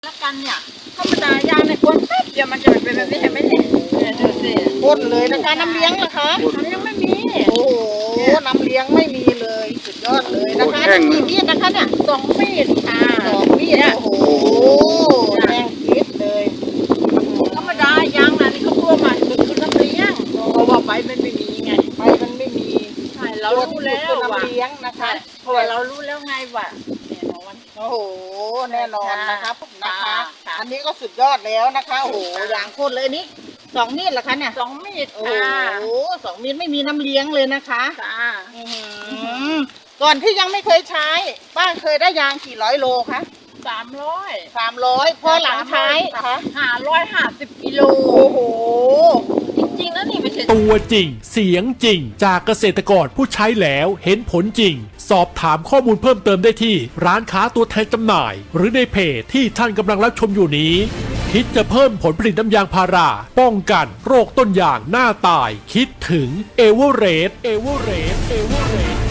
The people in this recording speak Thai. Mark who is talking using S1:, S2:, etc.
S1: แล้วกันเนี่ยธรรมดายางในคนแป๊บเดียวมันจะเป็นแบบนี้เห็นไหมเนี่ยดูสิ
S2: พ่นเลยนะคะน้ำเลี้ยงเหรอคะ
S1: อันนี้ยังไม่มี
S2: โอ้โหน้ำเลี้ยงไม่มีเลยสุดยอดเลยนะคะนี่กี่มีดนะคะเนี่ย
S1: 2 มีดค่ะ
S2: 2 มีดโอ้โหแรงคิดเลย
S1: ธรรมดายางนะนี่เขาตัวมาคือน้ำเลี้ยงเพราะว่าใบมันไม่มีไง
S2: ใบมันไม่มี
S1: ใช่เรารู้แล้วว่า
S2: น้ำเลี้ยงนะคะ
S1: เพราะว่าเรารู้แล้วไงว่าแน่นอน
S2: โอ้โหแน่นอนนะครับนะคะอันนี้ก็สุดยอดแล้วนะคะโอ้โหยางพ่นเลยนี่2 มีดเหรอคะเนี่ย
S1: 2 มีด
S2: โอ้โห2 มีดไม่มีน้ำเลี้ยงเลยนะคะ
S1: ค่ะ
S2: ก่อนที่ยังไม่เคยใช้ป้าเคยได้ยางกี่ร้อยโลคะ300พอหลังใช้คะ
S1: 550 กิโล
S2: โอ้โห
S1: จริงๆนะนี่ไม่ใช่
S3: ตัวจริงเสียงจริงจากเกษตรกรผู้ใช้แล้วเห็นผลจริงสอบถามข้อมูลเพิ่มเติมได้ที่ร้านค้าตัวแทนจำหน่ายหรือในเพจที่ท่านกำลังรับชมอยู่นี้คิดจะเพิ่มผลผลิตน้ำยางพาราป้องกันโรคต้นยางหน้าตายคิดถึงเอเวอเรสต์